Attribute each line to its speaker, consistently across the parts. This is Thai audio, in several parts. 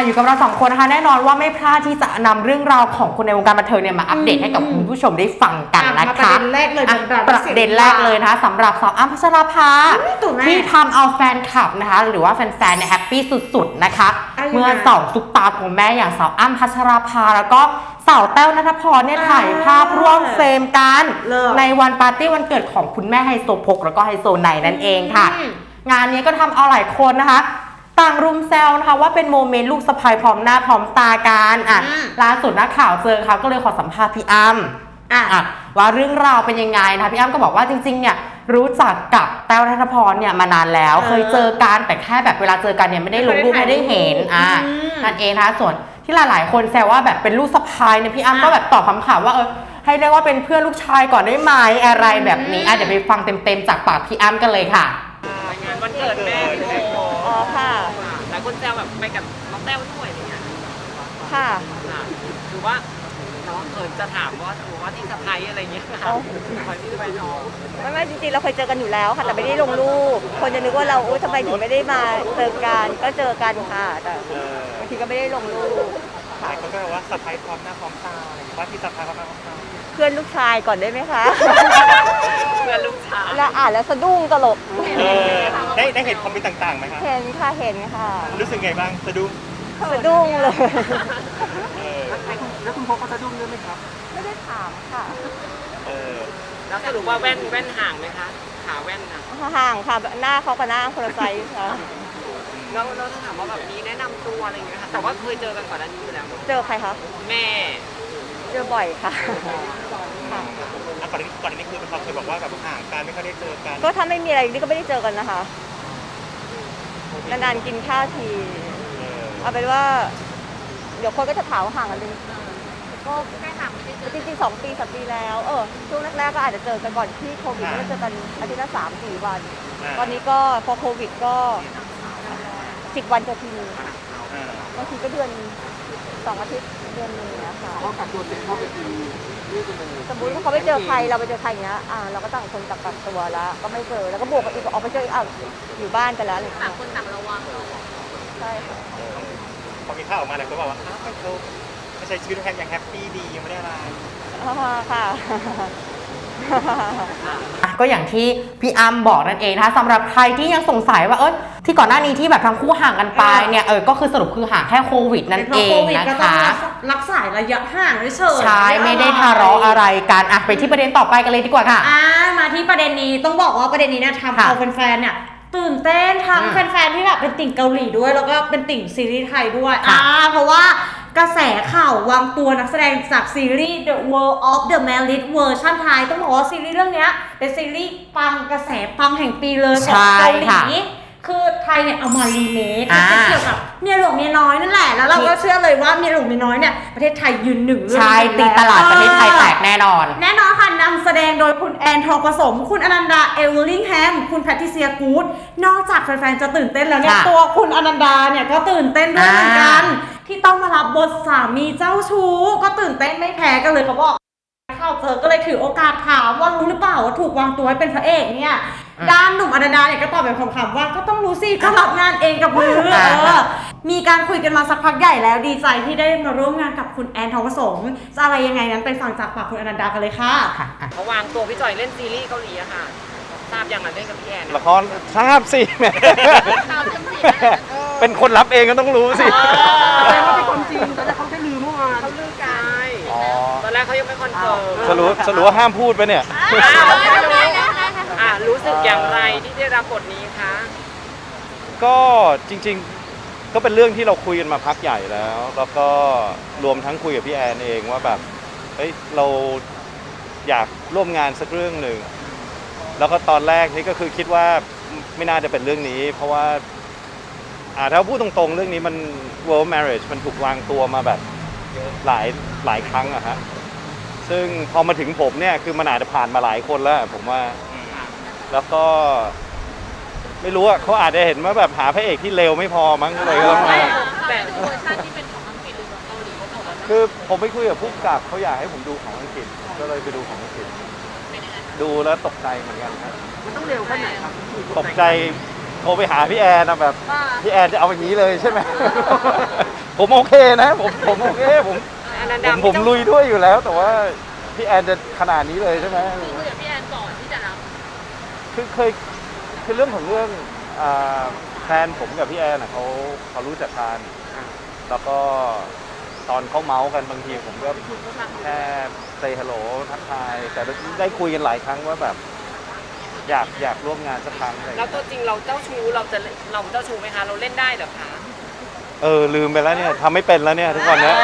Speaker 1: อยู่กับเรา2คนนะคะแน่นอนว่าไม่พลาดที่จะนำเรื่องราวของคนในวงการบันเทิงเนี่ยมาอัปเดตให้กับคุณผู้ชมได้ฟังกันนะคะ
Speaker 2: ประเด็นแรกเลย
Speaker 1: ประเด็นแรกเลยนะคะสำหรับสาวอ้ำพัชราภาที่ทำเอาแฟนคลับนะคะหรือว่าแฟนๆเนี่ยแฮปปี้สุดๆนะคะเมื่อ2ซุปตาของแม่อย่างสาวอ้ำพัชราภาแล้วก็สาวแต้วณัฐพรเนี่ยถ่ายภาพร่วมเฟรมกันในวันปาร์ตี้วันเกิดของคุณแม่ไฮโซโพกแล้วก็ไฮโซไนนั่นเองค่ะงานนี้ก็ทำเอาหลายคนนะคะต่างรุมแซวนะคะว่าเป็นโมเมนต์ลูกสะใภ้พร้อมหน้าพร้อมตากันล่าสุดนักข่าวเจอเขาก็เลยขอสัมภาษณ์พี่อ้ำว่าเรื่องราวเป็นยังไงนะคะพี่อ้ำก็บอกว่าจริงๆเนี่ยรู้จักกับแต้วณัฐพรเนี่ยมานานแล้วเคยเจอกันแต่แค่แบบเวลาเจอกันเนี่ยไม่ได้ลงรูปไม่ได้เห็นนั่นเองนะคะส่วนที่หลายๆคนแซวว่าแบบเป็นลูกสะใภ้เนี่ยพี่อ้ำก็แบบตอบคำถามว่าให้เรียกว่าเป็นเพื่อนลูกชายก่อนได้ไหมอะไรแบบนี้เดี๋ยวไปฟังเต็มๆจากปากพี่อ้ำกันเลยค่ะ
Speaker 3: งานวันเกิดแม่พี่โม
Speaker 2: ค่ะ
Speaker 3: หลายคนแซวแบบไปกับน้องแต้วด้วยอะไรเงี้ย
Speaker 2: ค่ะ
Speaker 3: คือว่าน้องจะถามว่าที่สะใภ้อะไรเงี้ยค่ะคอยที่ไปน้อง
Speaker 2: ไม่จริงๆเราเคยเจอกันอยู่แล้วค่ะแต่ไม่ได้ลงรูปคนจะนึกว่าเราทำไมถึงไม่ได้มาเจอกันก็เจอกันค่ะแต่บางทีก็ไม่ได้ลงรูป
Speaker 3: หลายคนก็บอกว่าสะใภ้พร้อมหน้าพร้อมตาอะไรว่าที่สะใภ้พร้อมหน้าพร้อมตา
Speaker 2: เพื่อนลูกชายก่อนได้ไหมคะ
Speaker 3: เพื่อนลูกชาย
Speaker 2: แล้วอ่านแล้วสะดุ้งตลก
Speaker 3: ได้เห็นคอมเมนต์ต่างๆไหมคะ
Speaker 2: เห็นค่ะ
Speaker 3: รู้สึกไงบ้างสะดุ้ง
Speaker 2: เลย
Speaker 3: แล้วคุณพ่อก็สะดุ้งด้วยไหมครับ
Speaker 2: ไม่ได้ถามค่ะ
Speaker 3: แล้วสรุปว่าแว่นห่างไหมคะขาแว่นนะ
Speaker 2: ห่างค่ะหน้าเขากับหน้าคนละไซส์ค่ะ
Speaker 3: แล้วถ้าถามว่าแบบนี้แนะนำตัวอะไรอย่างเงี้ยค่ะแต่ว่าเคยเจอกันก่อนหน้านี้อยู่แล้ว
Speaker 2: เจอใครคะ
Speaker 3: แม่
Speaker 2: เจอบ่อยค่ะ
Speaker 3: ก่อนนี้คือเขาเคยบอกว่าแบบห่างกันไม่ค่อยได้เจอกัน
Speaker 2: ก็ถ้าไม่มีอะไรนี่ก็ไม่ได้เจอกันนะคะนานๆกินข้าวทีเอาเป็นว่าเดี๋ยวคนก็จะถามว่าห่างกันเป็นก็แค่ห่างจริงๆ2 ปี 3 ปีแล้วช่วงแรกๆก็อาจจะเจอกันก่อนที่โควิดก็เจอกันอาทิตย์ละ3-4 วันตอนนี้ก็พอโควิดก็10 วันจะทีนึงบางทีก็เดือน2 อาทิตย์เดือนนึงนะคะ
Speaker 3: เขากักตัวเสร็จเข้าไปที
Speaker 2: สมมติว่าเขาไปเจอใครเราไปเจอใครอย่างเงี้ยเราก็ต่างคนต่างตัวแล้วก็ไม่เจอแล้วก็บวกกันอีกออกไปเจออยู่บ้านกันแล้ว
Speaker 3: ต่างคนต่างระวัง
Speaker 2: ใช่ค่ะ
Speaker 3: พอมีข่าวออกมาแล้วก็บอกว่าไม่ใช่ชีวิตแฮปยังแฮปปี้ดียังไม่ได้อะไร
Speaker 2: ค่ะ
Speaker 1: ก็อย่างที่พี่อ้ำบอกนั่นเองนะคะสำหรับใครที่ยังสงสัยว่าที่ก่อนหน้านี้ที่แบบทั้งคู่ห่างกันไปเนี่ยก็คือสรุปคือห่างแค่โควิดนั่นเองนะคะ
Speaker 2: รักษาระยะห่างเฉย
Speaker 1: ใช่ไม่ได้ทะเลาะอะไรกันไปที่ประเด็นต่อไปกันเลยดีกว่าค่ะ
Speaker 2: มาที่ประเด็นนี้ต้องบอกว่าประเด็นนี้เนี่ยทำเอาแฟนๆเนี่ยตื่นเต้นทั้งแฟนๆที่แบบเป็นติ่งเกาหลีด้วยแล้วก็เป็นติ่งซีรีส์ไทยด้วยเพราะว่ากระแสข่าววางตัวนักแสดงจากซีรีส์ The World of the Married เวอร์ชันไทยต้องบอกว่าซีรีส์เรื่องนี้เป็นซีรีส์ปังกระแสปังแห่งปีเลยของเกาหลีคือไทยเนี่ยเอามารีเมคเป็นเกี่ยวกับเมียหลวงเมียน้อยนั่นแหละแล้วเราก็เชื่อเลยว่าเมียหลวงเมียน้อยเนี่ยประเทศไทยยืนหนึ่ง
Speaker 1: ใช่ตีตลาดประเทศไทยแตกแน่นอน
Speaker 2: ค่ะนำแสดงโดยคุณแอนทองผสมคุณอนันดาเอเวอร์ลิงแฮมคุณแพทริเซียกูดนอกจากแฟนๆจะตื่นเต้นแล้วเนี่ยตัวคุณอนันดาเนี่ยก็ตื่นเต้นด้วยเหมือนกันที่ต้องมารับบทสามีเจ้าชู้ก็ตื่นเต้นไม่แพ้กันเลยเขาบอกข่าวเจอก็เลยถือโอกาสถามว่ารู้หรือเปล่าว่าถูกวางตัวให้เป็นพระเอกเนี่ยด้านหนุ่มอนันดาเนี่ยก็ตอบแบบคำๆว่าก็ต้องรู้สิก็รับงานเองกับมือมีการคุยกันมาสักพักใหญ่แล้วดีใจที่ได้มาร่วมงานกับคุณแอนทองผสมจะอะไรยังไงนั้นไปฟังจากปากคุณอนันดากันเลยค่ะ
Speaker 3: เขาวางตัวพี่จอยเล่นซีรีส์เกาหลีอะค่ะทราบยังไงเล่นกับพี่แอน
Speaker 4: ละครทราบสิแม่เป็นคนรับเองก็ต้องรู้สิ
Speaker 3: แต่ว่าเป็นคนจริงตอนแรกเขาแค่ลือเมื่อวานเขาลือกายตอนแรกเขายังไม่คอนเฟิร์ม
Speaker 4: สรุปว่าห้ามพูดไปเนี่ย
Speaker 3: รู้สึกอย่างไรที่ได้รับบทนี้คะ
Speaker 4: ก็จริงๆก็เป็นเรื่องที่เราคุยกันมาพักใหญ่แล้วก็รวมทั้งคุยกับพี่แอนเองว่าแบบเราอยากร่วมงานสักเรื่องหนึ่งแล้วก็ตอนแรกนี่ก็คือคิดว่าไม่น่าจะเป็นเรื่องนี้เพราะว่าถ้าพูดตรงๆเรื่องนี้มัน world marriage มันถูกวางตัวมาแบบหลายครั้งอะฮะซึ่งพอมาถึงผมเนี่ยคือมันอาจจะผ่านมาหลายคนแล้วผมว่าแล้วก็ไม่รู้อะเขาอาจจะเห็นว่าแบบหาพระเอกที่เร็วไม่พอมั้งเลยก็มา
Speaker 3: แต่เวอร์ชันที่เป็นของอังกฤษหรือของเกาหลี
Speaker 4: คือผมไปคุยกับผู้กำกับเขาอยากให้ผมดูของอังกฤษก็เลยไปดูของอังกฤษดูแล้วตกใจเหมือนกันครับ
Speaker 3: มันต้องเร็วแค่ไหนครับ
Speaker 4: ตกใจโทรไปหาพี่แอนนะแบบพี่แอนจะเอาอย่างนี้เลยใช่ไหม ผมโอเคนะผมโอเคผมลุยด้วยอยู่แล้ว แต่ว่าพี่แอนจะขนาดนี้เลยใช่ไหม
Speaker 5: คุยกับพี่แอนก่อนที่จะรับ
Speaker 4: คือเรื่องของเรื่องแฟนผมกับพี่แอนเขารู้จักกันแล้วก็ตอนเขาเมาส์กันบางทีผมก็แค่เซฮัลโหลทักทายแต่ได้คุยกันหลายครั้งว่าแบบอยากร่วมงานสักครั้งอะไรอย่าง
Speaker 3: แล้ว
Speaker 4: เงี้ย
Speaker 3: ตัวจริงเราเจ้าชู้เราเจ้าชู้ไหมคะเราเล่นได้เหรอคะ
Speaker 4: ลืมไปแล้วเนี่ยทำไม่เป็นแล้วเนี่ยทุกวันเนี้ย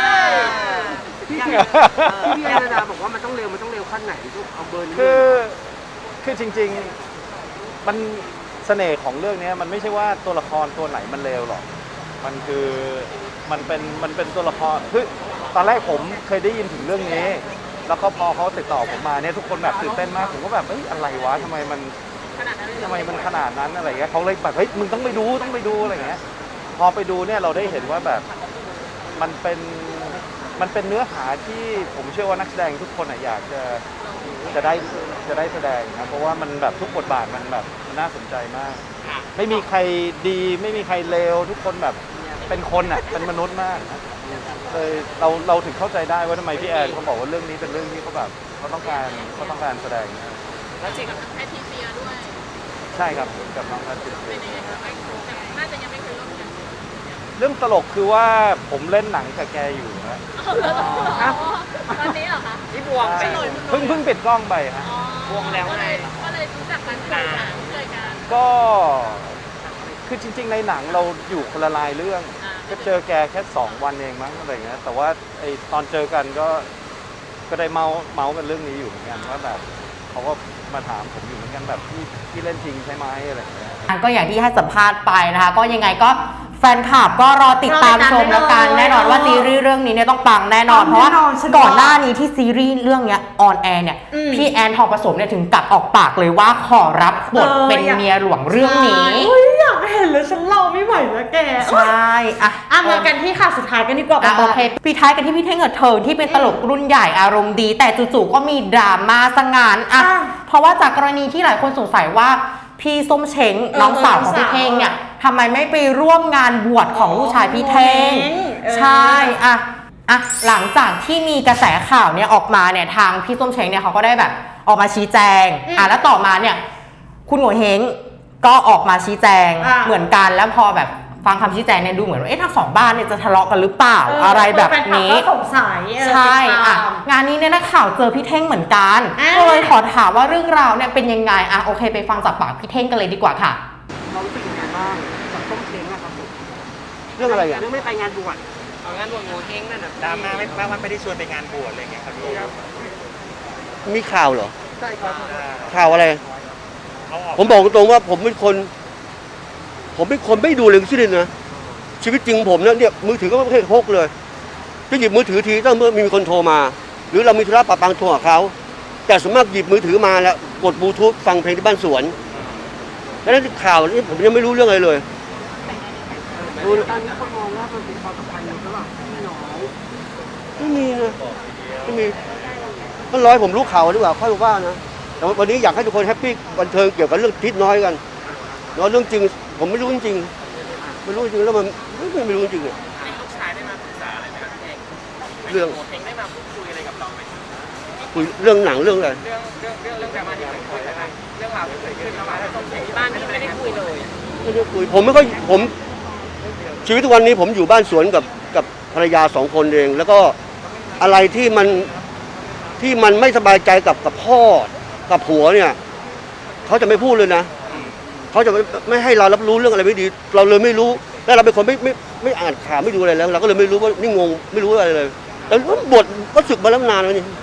Speaker 6: พี่แอนนาบอกว่ามันต้องเร็วขั้นไหนทุกเอาเบอร์นี้
Speaker 4: คือจริงๆมันเสน่ห์ของเรื่องนี้มันไม่ใช่ว่าตัวละครตัวไหนมันเลวหรอกมันคือมันเป็นตัวละครคือตอนแรกผมเคยได้ยินถึงเรื่องนี้ แล้วก็พอเขาติดต่อผมมาเนี่ยทุกคนแบบตื่นเต้นมากผมก็แบบเฮ้ยอะไรวะทำไมมันขนาดนั้นอะไรเงี้ยเขาเลยแบบเฮ้ยมึงต้องไปดูอะไรเงี้ยพอไปดูเนี่ยเราได้เห็นว่าแบบมันเป็นเนื้อหาที่ผมเชื่อว่านักแสดงทุกคนอยากจะได้แสดงนะเพราะว่ามันแบบทุกบทบาทมันแบบน่าสนใจมาก ไม่มีใครดีไม่มีใครเลวทุกคนแบบเป็นคนเป็นมนุษย์มากเลยเราถึงเข้าใจได้ว่าทำไมพี่แอนเขาบอกว่าเรื่องนี้เป็นเรื่องที่เขาแบบเขาต้องการแสดงนะ
Speaker 3: แล้วจริง
Speaker 5: แพทริเซียด้วย
Speaker 4: ใช่ครับกับน้องแพทริเซี
Speaker 5: เป็น
Speaker 4: ย
Speaker 5: ยังไงคะน่าจะยังไม่เคยร่วมงาน
Speaker 4: เรื่องตลกคือว่าผมเล่นหนังกับแกอยู่นะ
Speaker 5: ตอนนี้เหรอคะ
Speaker 3: ที่บวงไป
Speaker 4: เพิ่งปิดกล้องไปฮะ
Speaker 3: บวงแล้วไง
Speaker 5: ก็เลยรู้จักกันเคยกัน
Speaker 4: ก็คือจริงๆในหนังเราอยู่คนละลายเรื่องก็เจอแกแค่2 วันเองมั้งอะไรเงี้ยแต่ว่าไอตอนเจอกันก็ได้เมากันเรื่องนี้อยู่เหมือนกันว่าแบบเขาก็มาถามผมอยู่เหมือนกันแบบพี่เล่นจริงใช่ไหมอะไรเงี้ย
Speaker 1: ก็อย่างที่ให้สัมภาษณ์ไปนะคะก็ยังไงก็แฟนคลับก็รอติดตามชมแล้วกันแน่นอนว่าซีรีส์เรื่องนี้เนี่ยต้องปังแน่นอนเพราะว่าก่อนหน้านี้ที่ซีรีส์เรื่องเนี้ยออนแอร์เนี่ยพี่แอนทองผสมเนี่ยถึงกับออกปากเลยว่าขอรับบทเป็นเมียหลวงเรื่องนี้
Speaker 2: อยากเห็นเลยฉันเราไม่ไหวแล้วแก
Speaker 1: ใช่อ่ะ
Speaker 2: มากันที่ข่าวสุดท้ายกันดีกว่า
Speaker 1: โอเคปิดท้ายกันที่พี่เท่งกับเธอที่เป็นตลกรุ่นใหญ่อารมณ์ดี แต่จู่ๆก็มีดราม่าซะงั้นเพราะว่าจากกรณีที่หลายคนสงสัยว่าพี่ส้มเช้งน้องสาวของพี่เท่งเนี่ยทำไมไม่ไปร่วมงานบวชของลูกชายพี่เท่งใช่หลังจากที่มีกระแสข่าวเนี่ยออกมาเนี่ยทางพี่ส้มเช้งเนี่ยเขาก็ได้แบบออกมาชี้แจงแล้วต่อมาเนี่ยคุณโง่เฮงก็ออกมาชี้แจงเหมือนกันแล้วพอแบบฟังคำชี้แจงเนี่ยดูเหมือนว่าทั้งสองบ้านเนี่ยจะทะเลาะกันหรือเปล่าอะไรแบบนี้
Speaker 2: สงสัย
Speaker 1: ใช่งานนี้เนี่ยนักข่าวเจอพี่เท่งเหมือนกันก็เลยขอถามว่าเรื่องราวเนี่ยเป็นยังไงโอเคไปฟังจากปากพี่เท่งกันเลยดีกว่าค่ะ
Speaker 6: เรารู้สึกยังไงบ้างกับต้มเช้งอะครับผม
Speaker 7: เรื่องอะไรอ่ะ
Speaker 6: เรื่องไม่ไปงานบวช
Speaker 3: เอางานบวงโงเฮงนั่นน่ะ
Speaker 7: ดราม่าไม่ได้ชวนไปงานบวชอะไรเงี้ยครับพี่มีข่าวเหรอ
Speaker 6: ใช่ครับ
Speaker 7: ข่าวอะไร
Speaker 4: เขาออก
Speaker 7: ผมบอกตรงๆว่าผมเป็นคนไม่ดูเลยทั้งสิ้นนะชีวิตจริงผมเนี่ยมือถือก็ไม่เคยพกเลยจะหยิบมือถือทีต้องเมื่อมีคนโทรมา หรือเรามีธุระปะปังโทรหาเขาแต่ส่วนมากหยิบมือถือมาแล้วกดบลูทูธฟังเพลงที่บ้านสวนแล้วนั่นข่าวนี่ผมยังไม่รู้เรื่องอะไรเลย
Speaker 6: ตอนนี้คนมองว่ามันเป็นความสัมพันธ์ระหว่างพี่น้อง
Speaker 7: ไม่มีนะไม่มีก็ร้อยผมรู้ข่าวดีกว่าค่อยว่านะแต่วันนี้อยากให้ทุกคนแฮปปี้บันเทิงเกี่ยวกับเรื่องทิศน้อยกันเนาะเรื่องจริงผมไม่รู้จริงๆไม่รู้จริงแล้วมันไม่รู้จริงเลย
Speaker 3: ลูกชายได้มาปรึกษาอะไรไหมครับพี่เอง
Speaker 7: เรื่อง
Speaker 3: โงเฮงได้มาพูดคุยอะไรกับเราไหม
Speaker 7: คุยเรื่องหนังเรื่องอะไร
Speaker 3: เรื่องดราม่าที่เกิดขึ้นนะคะเรื่องราวที่เกิดขึ้นระหว่างส้มเช้งที่บ้านไม่ได้คุยเลย
Speaker 7: ไม่ได้คุยผมชีวิตทุกวันนี้ผมอยู่บ้านสวนกับภรรยา2 คนเอง แล้วก็อะไรที่มันไม่สบายใจกับพ่อกับผัวเนี่ยเขาจะไม่พูดเลยนะเขาจะไม่ให้เรารับรู้เรื่องอะไรไม่ดีเราเลยไม่รู้แล้วเราเป็นคนไม่อ่านข่าวไม่ดูอะไรแล้วเราก็เลยไม่รู้ว่านี่งงไม่รู้อะไรเลยแล้วบทก็สึกมาแล้วนานแล้วนี่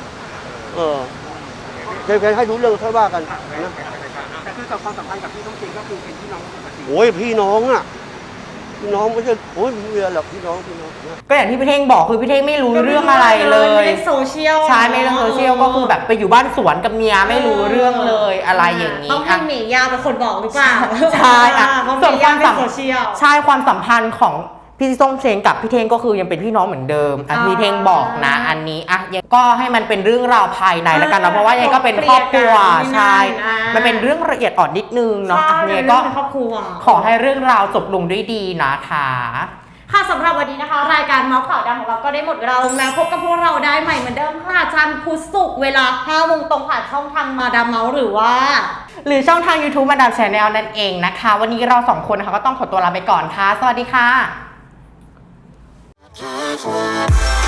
Speaker 7: แค่ให้รู้เรื่องค่อยว่ากันนะ
Speaker 6: แต่คือกับความสัมพันธ์กับพี่ต้มเช้งก็คือเป็นพี่น้องปกติ
Speaker 7: โอ้ยพี่น้องอ่ะพี่น้องไม่ใช่โอ้ยไม่มีอะไรหรอกพี่น้อง
Speaker 1: ก็อย่างที่พี่เท่งบอกคือพี่เท่งไม่รู้เรื่องอะไรเลย
Speaker 2: ไม่ได้โซเชียล
Speaker 1: ใช่ไม่เรื่องโซเชียลก็คือแบบไปอยู่บ้านสวนกับเมียไม่รู้เรื่องเลยอะไรอย่างนี้
Speaker 2: ต้องให้หมียาวเป็นคนบอกหรือเปล่า
Speaker 1: ใช่
Speaker 2: เพราะห
Speaker 1: ส่วน
Speaker 2: มี
Speaker 1: ค
Speaker 2: ยาว
Speaker 1: าว ม
Speaker 2: เป็น
Speaker 1: สัม
Speaker 2: โซเชียล
Speaker 1: ใช่ความสัมพันธ์ของพี่ส้มเช้งกับพี่เท่งก็คือยังเป็นพี่น้องเหมือนเดิมพี่เท่งบอกนะอันนี้ยังก็ให้มันเป็นเรื่องราวภายในแล้วกันนะเพราะว่ายังก็เป็นครอบครัวใช่มันเป็นเรื่องละเอียดอ่อนนิดนึงเนาะเนี่ยก็ขอให้เรื่องราวจบลงด้วยดีนะคะ
Speaker 2: ค่ะสำหรับวันนี้นะคะรายการเมาส์ข่าวดังของเราก็ได้หมดเวลาลงแล้วพบกับพวกเราได้ใหม่เหมือนเดิมค่ะจันทร์พุธศุกร์เวลา 5 โมงตรงผ่านช่องทางมาดามเมาส์หรือ
Speaker 1: ช่องทาง YouTube มาดามแชนแนลนั่นเองนะคะวันนี้เรา2คนนะคะก็ต้องขอตัวลาไปก่อนค่ะสวัสดีค่ะ